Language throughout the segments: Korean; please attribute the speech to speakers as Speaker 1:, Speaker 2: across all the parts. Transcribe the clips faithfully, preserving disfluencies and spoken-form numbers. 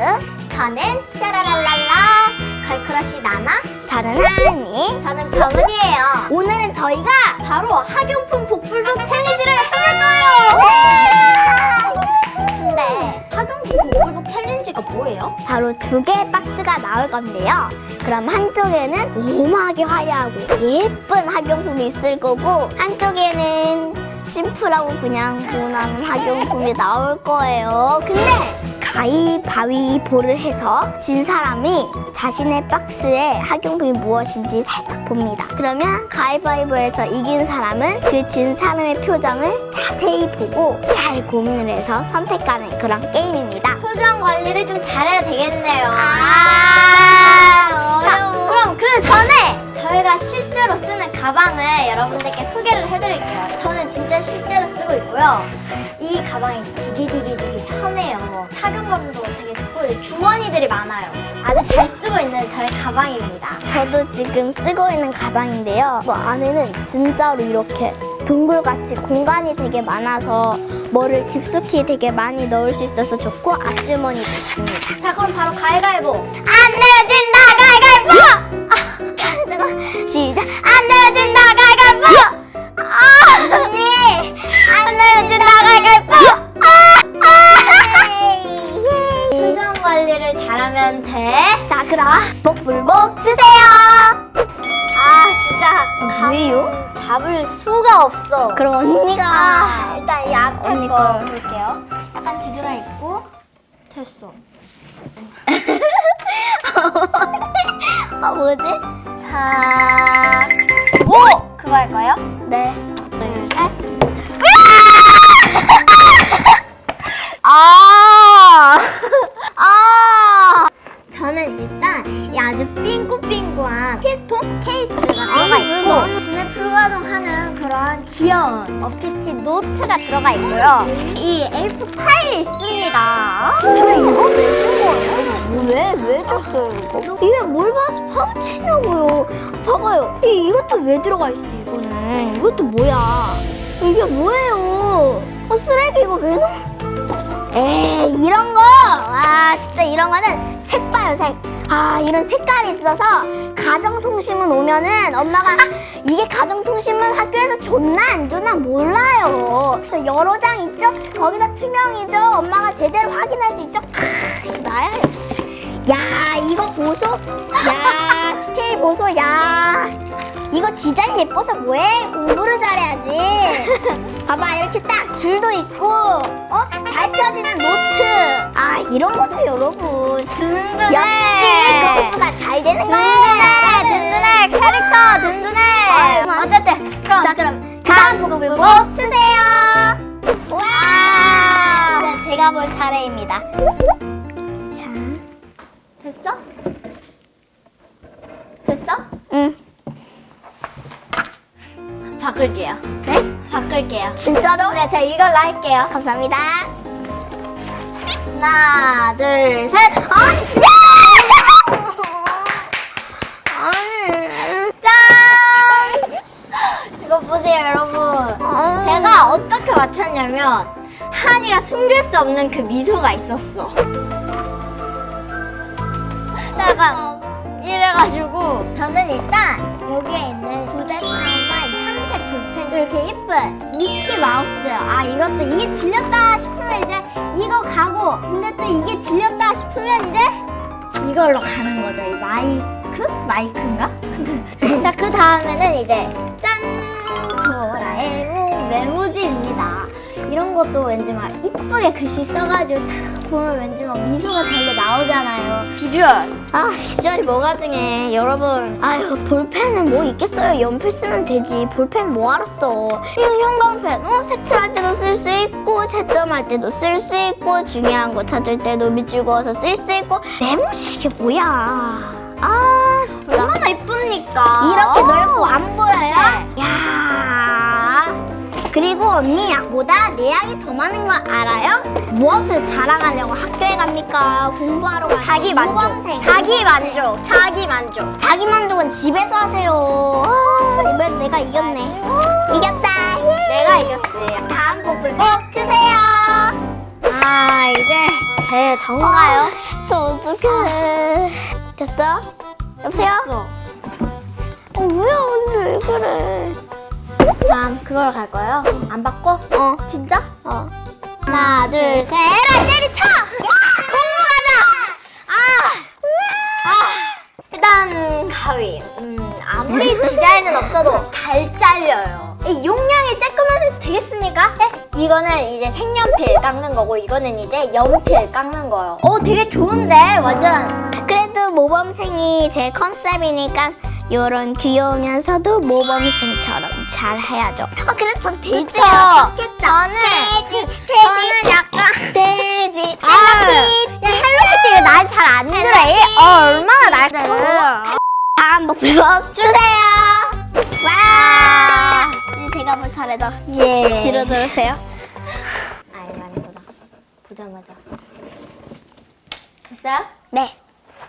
Speaker 1: 저는 샤라랄랄라 걸크러쉬 나나. 저는 하은이. 저는 정은이에요. 오늘은 저희가 바로 학용품 복불복 챌린지를 해볼 거예요. 근데 학용품 복불복 챌린지가 뭐예요? 바로 두 개의 박스가 나올 건데요. 그럼 한쪽에는 오묘하게 화려하고 예쁜 학용품이 있을 거고, 한쪽에는 심플하고 그냥 무난한 학용품이 나올 거예요. 근데 가위바위보를 해서 진 사람이 자신의 박스에 학용품이 무엇인지 살짝 봅니다. 그러면 가위바위보에서 이긴 사람은 그 진 사람의 표정을 자세히 보고 잘 고민을 해서 선택하는 그런 게임입니다. 표정 관리를 좀 잘해야 되겠네요. 아, 자, 그럼 그 전에 저희가 실제로 쓰는 가방을 여러분들께 소개를 해드릴게요. 저는 진짜 실제로 쓰고 있고요. 이 가방이 되게 되게 되게 편해요. 착용감도 되게 좋고 주머니들이 많아요. 아주 잘 쓰고 있는 저의 가방입니다. 저도 지금 쓰고 있는 가방인데요. 뭐 안에는 진짜로 이렇게 동굴같이 공간이 되게 많아서 뭐를 깊숙이 되게 많이 넣을 수 있어서 좋고, 앞주머니도 있습니다. 자, 그럼 바로 가위바위보. 안 내어진다 가위바위보! 아, 잠깐 시작. 안 내어진다 가위바위보! 아, 언니! 안 내어진다 가위바위보! 아, 아, 표정 관리를 잘하면 돼. 자, 그럼 복불복 주세요. 아, 진짜 왜요? 잡을 수가 없어. 그럼 언니가 아, 일단 이 앞에 언니 거 볼게요. 약간 뒤돌아 있고. 됐어. 아, 뭐지? 자, 오! 그거 할까요? 네. 둘, 셋. 아! 아! 저는 일단 이 아주 삥꾸삥꾸한 필통 케이스가 들어가 있고, 눈에 불가동하는 그런 귀여운 어피치 노트가 들어가 있고요. 이 에이포 파일이 있습니다. 저 이거 왜 준 거예요? 왜? 왜 줬어요 이거? 이게 뭘 봐서 파우치냐고요. 봐봐요. 이, 이것도 왜 들어가 있어 이거는. 이것도 뭐야. 이게 뭐예요. 어, 쓰레기 이거 왜 넣어? 에이, 이런 거! 와, 진짜 이런 거는 색 봐요, 색. 아, 이런 색깔이 있어서 가정통신문 오면은 엄마가 아, 이게 가정통신문 학교에서 줬나 안 줬나 몰라요. 저 여러 장 있죠? 거기다 투명이죠? 엄마가 제대로 확인할 수 있죠? 아, 나야. 야, 이거 보소? 야, 스케일 보소? 야. 이거 디자인 예뻐서 뭐해? 공부를 잘해야지. 봐봐, 이렇게 딱 줄도 있고, 어? 잘 펴지는 노트. 아, 이런 거죠, 여러분. 든든해. 역시 공부가 잘 되는 거야. 든든해, 든든해. 캐릭터 든든해. 아유, 어쨌든 그럼 자, 그럼 다음 복불복 주세요. 와, 네, 제가 볼 차례입니다. 자, 됐어? 됐어? 응. 바꿀게요. 네? 바꿀게요. 진짜로? 네, 제가 이걸로 할게요. 감사합니다. 하나, 둘, 셋. 아, 진짜! 짠! 이거 보세요, 여러분. 제가 어떻게 맞췄냐면 한이가 숨길 수 없는 그 미소가 있었어. 약간 이래가지고 저는 일단 여기에 있는 부대타마 이 삼색 볼펜도 이렇게 예쁜 미키 마우스요. 아, 이것도 이게 질렸다 싶으면 이제 이거 가고, 근데 또 이게 질렸다 싶으면 이제 이걸로 가는 거죠. 이 마이크? 마이크인가? 자, 그 다음에는 이제 짠! 도라에몽 메모지입니다. 이런 것도 왠지 막 이쁘게 글씨 써가지고 딱 보면 왠지 막 미소가 절로 나오잖아요. 비주얼. 아, 비주얼이 뭐가 중에. 여러분, 아유, 볼펜은 뭐 있겠어요. 연필 쓰면 되지. 볼펜 뭐하러 써. 이거 형광펜. 어? 색칠할 때도 쓸 수 있고, 채점할 때도 쓸 수 있고, 중요한 거 찾을 때도 밑줄 그어서 쓸 수 있고. 메모지 이게 뭐야. 아, 진짜. 얼마나 이쁩니까? 이렇게 넓고 안 보여요? 야. 그리고 언니 양보다 내 양이 더 많은 거 알아요? 무엇을 자랑하려고 학교에 갑니까? 공부하러 가요? 자기 만족. 모범생. 자기 만족. 자기 만족. 자기 만족은 집에서 하세요. 아, 이번엔 내가 이겼네. 이겼다. 내가 이겼지. 다음 복불복 주세요. 아, 자, 이제 제 전가요?
Speaker 2: 아, 진짜 어떡해. 됐어? 여보세요?
Speaker 1: 됐어.
Speaker 2: 어, 뭐야, 언니 왜 그래?
Speaker 1: 다음 그걸 갈 거예요? 안 바꿔?
Speaker 2: 어,
Speaker 1: 진짜?
Speaker 2: 어.
Speaker 1: 하나, 둘, 셋. 에라, 때리쳐! 공부하자! 아! 아! 일단 가위. 음, 아무리 디자인은 없어도 잘 잘려요. 이 용량이 조금만 해서 되겠습니까? 네? 이거는 이제 색연필 깎는 거고 이거는 이제 연필 깎는 거예요. 어, 되게 좋은데? 완전.
Speaker 2: 그래도 모범생이 제 컨셉이니까 요런 귀여우면서도 모범생처럼 잘 해야죠. 아, 그래, 전 돼지가 좋겠죠.
Speaker 1: 저는
Speaker 2: 돼지,
Speaker 1: 저는 약간
Speaker 2: 돼지,
Speaker 1: 아, 야, 헬로키티가 날 잘 안 들어. 얘 어, 얼마나 날 들어.
Speaker 2: 다음 목표
Speaker 1: 주세요.
Speaker 2: 와! 이제 제가 볼 차례죠.
Speaker 1: 예.
Speaker 2: 뒤로 들으세요.
Speaker 1: 아니, 아니구나. 보자마자. 됐어요?
Speaker 2: 네.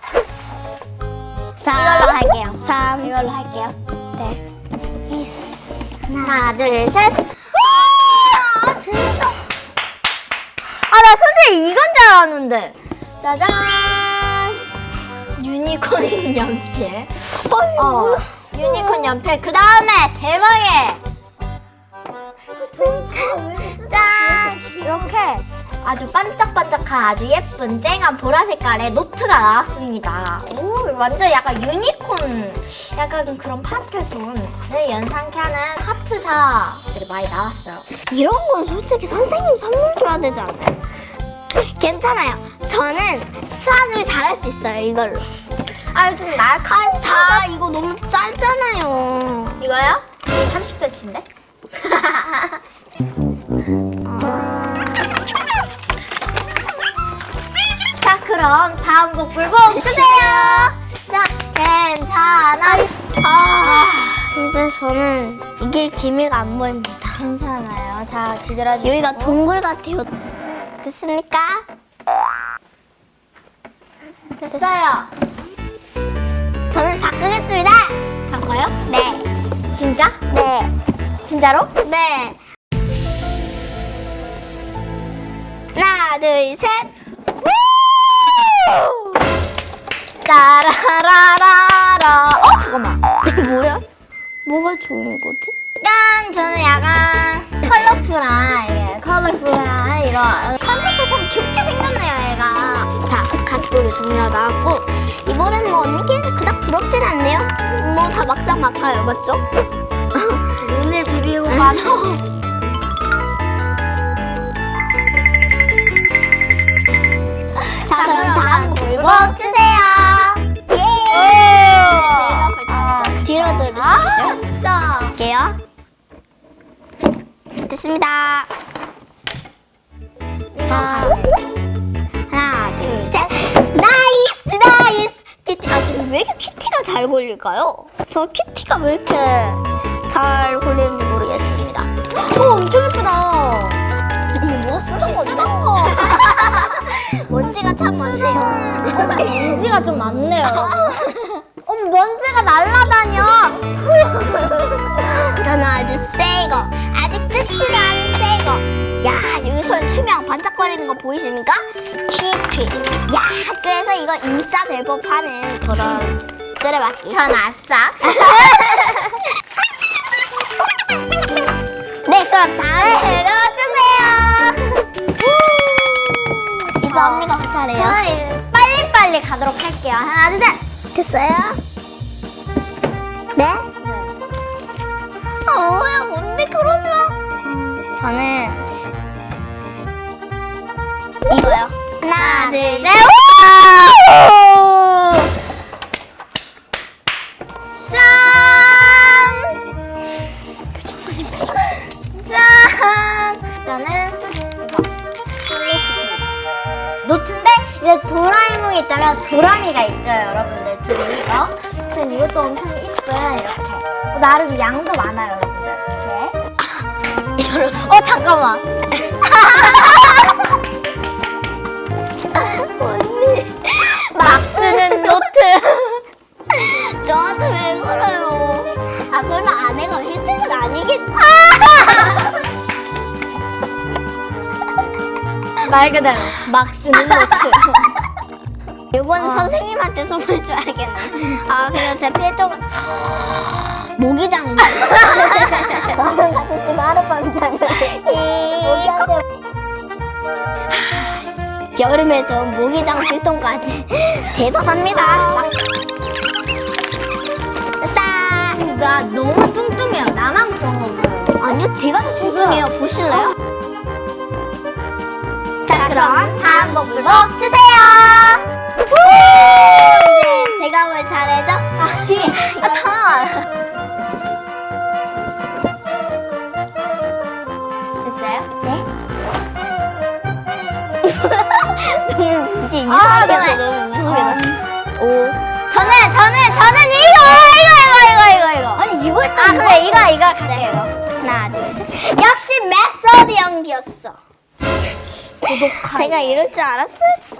Speaker 1: 이걸로 할게요.
Speaker 2: 삼.
Speaker 1: 이걸로 할게요.
Speaker 2: 네. 예스.
Speaker 1: 하나, 둘, 셋. 와, 진짜. 아, 나 솔직히 이건 줄 알았는데. 짜잔. 유니콘 연필. 어, 유니콘 연필. 그 다음에 대망의. 짠! 이렇게 아주 반짝반짝한 아주 예쁜 쨍한 보라 색깔의 노트가 나왔습니다. 오, 완전 약간 유니콘, 약간 그런 파스텔 톤을 연상케 하는 하트사들이 많이 나왔어요.
Speaker 2: 이런 건 솔직히 선생님 선물 줘야 되지 않아요? 괜찮아요. 저는 수학을 잘할 수 있어요, 이걸로.
Speaker 1: 아, 좀 날카로워.
Speaker 2: 자, 이거 너무 짧잖아요.
Speaker 1: 이거요? 이게 삼십 센티미터인데? 자, 그럼 다음 곡 불고 주세요. 자, 괜찮아.
Speaker 2: 아, 이제 저는 이길 기미가 안 보입니다.
Speaker 1: 괜찮아요. 자, 뒤돌아주시고.
Speaker 2: 여기가 동굴 같아요. 됐습니까?
Speaker 1: 됐어요.
Speaker 2: 저는 바꾸겠습니다.
Speaker 1: 바꿔요?
Speaker 2: 네.
Speaker 1: 진짜?
Speaker 2: 네.
Speaker 1: 진짜로?
Speaker 2: 네. 하나, 둘, 셋.
Speaker 1: 짜라라라라. 어, 잠깐만.
Speaker 2: 뭐야? 뭐가 좋은 거지?
Speaker 1: 약간 저는 약간 컬러풀한, 예, 컬러풀한 이런 컨셉이 참 귀엽게 생겼네요, 얘가.
Speaker 2: 자, 가축복의 종류가 나왔고 이번엔 뭐 언니께 그닥 부럽진 않네요. 뭐 다 막상 막하요, 맞죠?
Speaker 1: 눈을 비비고 봐도.
Speaker 2: 자, 그럼 다음 골목
Speaker 1: 골목 주세요.
Speaker 2: 예!
Speaker 1: 오!
Speaker 2: 제가 벌써 뒤로
Speaker 1: 아,
Speaker 2: 들으시죠.
Speaker 1: 진짜.
Speaker 2: 할게요. 됐습니다. 자, 하나, 둘, 셋. 나이스, 나이스. 키티. 아, 근데 왜 이렇게 키티가 잘 걸릴까요? 저 키티가 왜 이렇게 잘 걸리는지 모르겠습니다.
Speaker 1: 오, 엄청 예쁘다.
Speaker 2: 이거 누가 쓰던 건데?
Speaker 1: 쓰던 거.
Speaker 2: 먼지가 참 많네요.
Speaker 1: 먼지가 좀 많네요, 여러분. 어머, 먼지가 날아다녀.
Speaker 2: 저는 아주 새 거, 아직 뜯지도 않은 새 거. 야, 여기 손 투명 반짝거리는 거 보이십니까? 키티. 야, 학교에서 이거 인싸 될 법하는 그런 쓰레받기.
Speaker 1: 전 아싸.
Speaker 2: 네, 그럼 다음
Speaker 1: 해주세요.
Speaker 2: 이제 언니가 그 차례예요.
Speaker 1: 저는 이제 빨리빨리 가도록 할게요. 하나, 둘, 셋.
Speaker 2: 됐어요? 네? 아, 뭐야, 뭔데 그러지 마. 저는 이거요. 하나, 둘, 셋.
Speaker 1: 우! 짠! 짠! 저는 이거 노트인데 이제 도라에몽이 있다면 도라미가 있죠, 여러분들. 둘이 이거. 그래서 이것도 엄청 이쁜 이렇게. 어, 나름 양도 많아요, 여러분들. 이렇게. 어, 잠깐만.
Speaker 2: 언니.
Speaker 1: 막 쓰는 노트.
Speaker 2: 저한테 왜 그래요? 아, 설마 아내가 회색은 아니겠지?
Speaker 1: 말 그대로 막 쓰는 노트.
Speaker 2: 이거는 선생님한테 선물 줘야겠네. 아 그리고 제 필통은 모기장. 저는 같이 쓰고 하룻밤 자는데 모기한테 여름에 저 모기장 필통까지 대단합니다. 막 됐다.
Speaker 1: 나 너무 뚱뚱해요. 나만 그런 거 없어요.
Speaker 2: 아니요 제가 더 뚱뚱해요. 보실래요? 자 그럼 다음 복불복 주세요. 이제 제가 뭘 잘해줘?
Speaker 1: 아, 뒤에. 아, 다.
Speaker 2: 됐어요? 네. 너무 이게
Speaker 1: 아,
Speaker 2: 이상하게
Speaker 1: 네.
Speaker 2: 너무 무섭게 나. 오.
Speaker 1: 저는, 저는, 저는 이거, 이거, 이거, 이거, 이거, 이거.
Speaker 2: 아니 이거 했다.
Speaker 1: 아, 그래, 이거, 이거 갈게요, 이거.
Speaker 2: 하나 둘 셋. 역시 메소드 연기였어.
Speaker 1: 고독한.
Speaker 2: 제가 이럴 줄 알았어요. 진짜.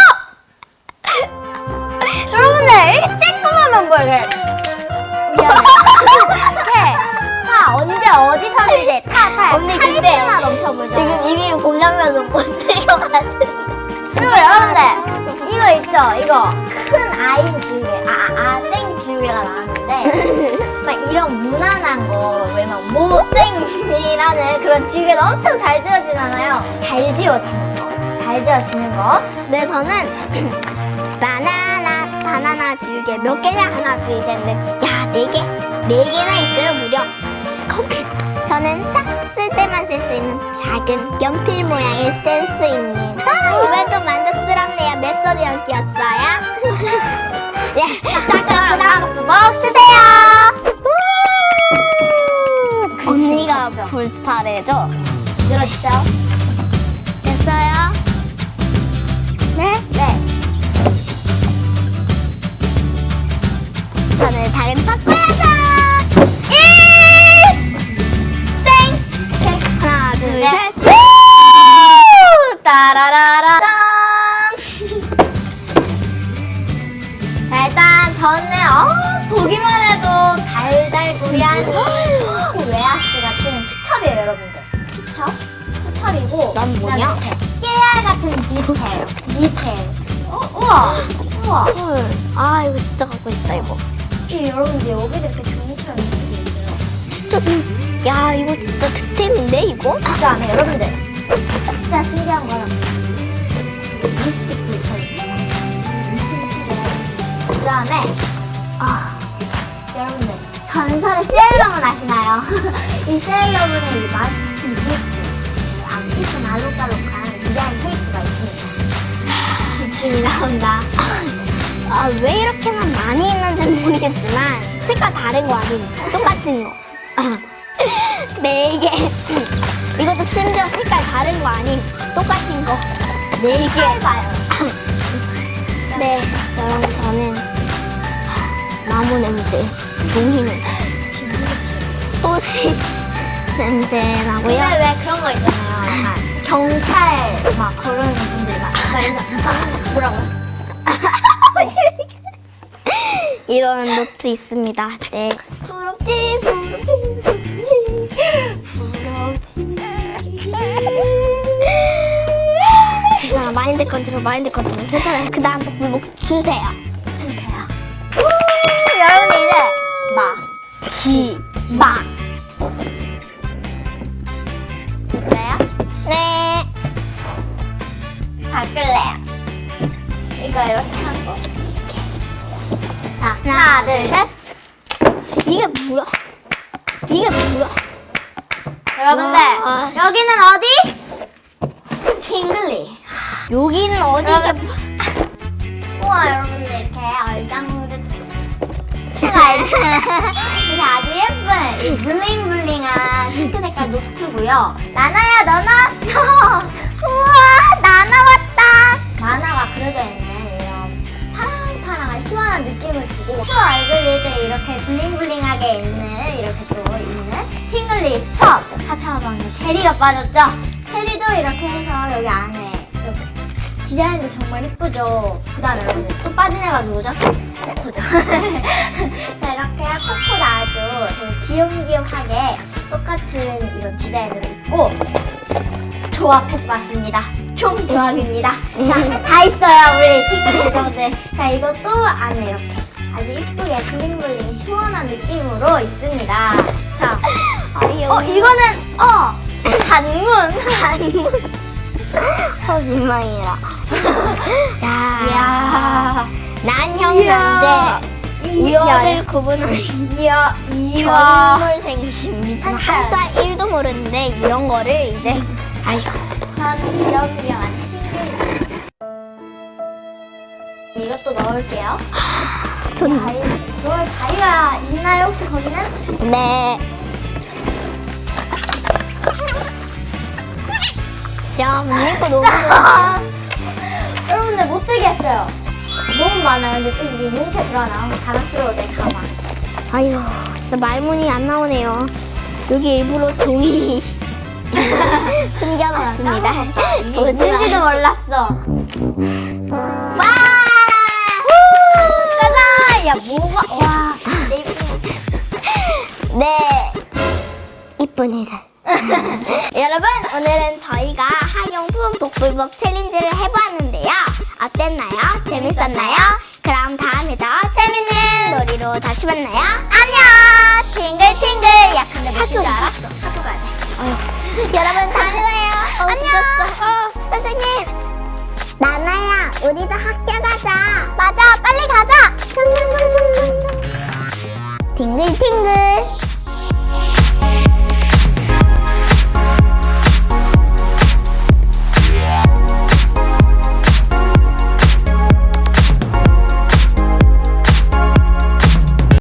Speaker 1: 여러분들, 이렇게 쬐끔하면 뭐, 이렇게. 미안해. 이렇게. 타, 언제, 어디서든지 타, 타.
Speaker 2: 언니, 근데
Speaker 1: 카리스마 넘쳐보죠.
Speaker 2: 지금 입이 고장나서 못 쓸 것 같은.
Speaker 1: 그리고 여러분들, 이거 있죠? 이거. 큰 아인 지우개. 아, 아, 땡 지우개가 나왔는데. 막 이런 무난한 거, 왜냐면 모땡이라는 그런 지우개도 엄청 잘 지워지잖아요. 잘 지워지는 거. 잘 지워지는 거.
Speaker 2: 네, 저는 바나나 바나나 지우개 몇 개냐? 하나, 둘, 셋, 넷. 야, 네 개? 네 개나 있어요, 무려. 저는 딱 쓸 때만 쓸 수 있는 작은 연필 모양의 센스 있는. 아, 이번 좀 만족스럽네요. 메소드 연기였어요. 네, 자, 그럼 다음
Speaker 1: 먹 주세요.
Speaker 2: 언니가 볼 차례죠?
Speaker 1: 들어주세요.
Speaker 2: 됐어요? 네? 네. 저는 다른 바꿔야죠. 일! 땡! 오케이. 하나, 둘,
Speaker 1: 네.
Speaker 2: 셋.
Speaker 1: 우! 따라라라. 짠. 자, 일단 저는 어, 보기만 해도 달달구리한 이 웨하스 같은 수첩이에요, 여러분들. 수첩? 수첩이고.
Speaker 2: 난 뭐냐?
Speaker 1: 그다음에 깨알 같은 디테일. 디테일. 어, 우와. 우와.
Speaker 2: 헐. 아, 이거 진짜 갖고 싶다, 이거.
Speaker 1: 이 여러분들 여기도 이렇게 종이처럼 이렇게 있어요.
Speaker 2: 진짜 좀, 야, 이거 진짜 득템인데, 이거?
Speaker 1: 그다음에 여러분들 진짜 신기한 거는 립스틱도 있어요. 그다음에 아 여러분들 전설의 세일러문 아시나요? 이 세일러문의 이 마스크 립스틱 아키스 알록달록한 디자인 케이스가 있습니다. 기침이 나온다.
Speaker 2: 아, 왜 이렇게만 많이 있는지는 모르겠지만, 색깔 다른 거 아닙니까? 똑같은 거. 네 개. 이것도 심지어 색깔 다른 거 아님, 똑같은 거. 네 개.
Speaker 1: 봐요.
Speaker 2: 네, 여러분, 저는 나무 냄새, 종이 냄새, 소시지 냄새 나고요.
Speaker 1: 근데 왜 그런 거 있잖아요. 약간 경찰 막 그런 분들이 막 그래서 뭐라고요?
Speaker 2: 이런 노트 있습니다. 네.
Speaker 1: 부럽지 부럽지 부럽지
Speaker 2: 괜찮아. 마인드 컨트롤, 마인드 컨트롤. 괜찮아요. 그 다음 복불복 주세요.
Speaker 1: 주세요. 우, 여러분 이제 마, 지, 마 됐어요?
Speaker 2: 네.
Speaker 1: 바꿀래요. 이거 이렇게 하고 자 하나 둘 셋.
Speaker 2: 이게 뭐야? 이게 뭐야?
Speaker 1: 여러분들
Speaker 2: 와.
Speaker 1: 여기는 어디? 팅글리.
Speaker 2: 여기는 어디?
Speaker 1: 여러분. 우와 여러분들 이렇게 얼짱들 수가 이렇게 아주 예쁜 이 블링블링한 핑크 색깔 노트고요. 나나야 너 나왔어. 우와 나 나왔다. 만화가 그려져 있는 이런 파랑파랑한 시원한 느낌을 주고 또 얼굴이 이제 이렇게 블링블링하게 있는 이렇게 또 있는 팅글리 수첩 사천 원의 체리가 빠졌죠. 체리도 이렇게 해서 여기 안에 이렇게 디자인도 정말 이쁘죠. 그 다음에 여러분들 또 빠진 애가 누구죠? 코코죠. 자 이렇게 코코도 아주 되게 귀염귀염하게 똑같은 이런 디자인으로 있고 조합해서 봤습니다. 총 조합입니다. 자, 다 있어요, 우리 팅글팅글들. 자, 이것도 안에 이렇게 아주 이쁘게 블링블링 시원한 느낌으로 있습니다. 자,
Speaker 2: 아유.
Speaker 1: 어, 이거는, 어, 단문.
Speaker 2: 단문. 어, 민망해라. 야.
Speaker 1: 이야.
Speaker 2: 난형
Speaker 1: 이야.
Speaker 2: 남제. 위어를 구분하는
Speaker 1: 이야, 이야.
Speaker 2: 견물 생심입니다.
Speaker 1: 한자.
Speaker 2: 한자 일도 모르는데 이런 거를 이제 아이고.
Speaker 1: 전 귀염귀염한 팅글. 이것도 넣을게요.
Speaker 2: 전
Speaker 1: 자유, 그럴 자유가 있나요, 혹시 거기는?
Speaker 2: 네. 야, 문니까 너무
Speaker 1: 자, 여러분들 못 들겠어요. 너무 많아요. 근데 또 이게 이렇게 들어가나 자랑스러워 내 가방.
Speaker 2: 아유, 진짜 말문이 안 나오네요. 여기 일부러 종이 숨겨놨습니다.
Speaker 1: 뭔지도 몰랐어.
Speaker 2: 와!
Speaker 1: 짜잔! 야 뭐가 와.
Speaker 2: 네, 이쁜이들. 여러분, 오늘은 저희가 학용품 복불복 챌린지를 해보았는데요. 어땠나요? 재밌었나요? 그럼 다음에 더 재밌는 놀이로 다시 만나요. 안녕! 팅글팅글! 야, 근데 무슨 줄 알았어? 학교 가야 돼. 여러분, 다음에 봐요. 안녕! 어, 선생님! 나나야, 우리도 학교 가자. 맞아, 빨리 가자. 팅글팅글.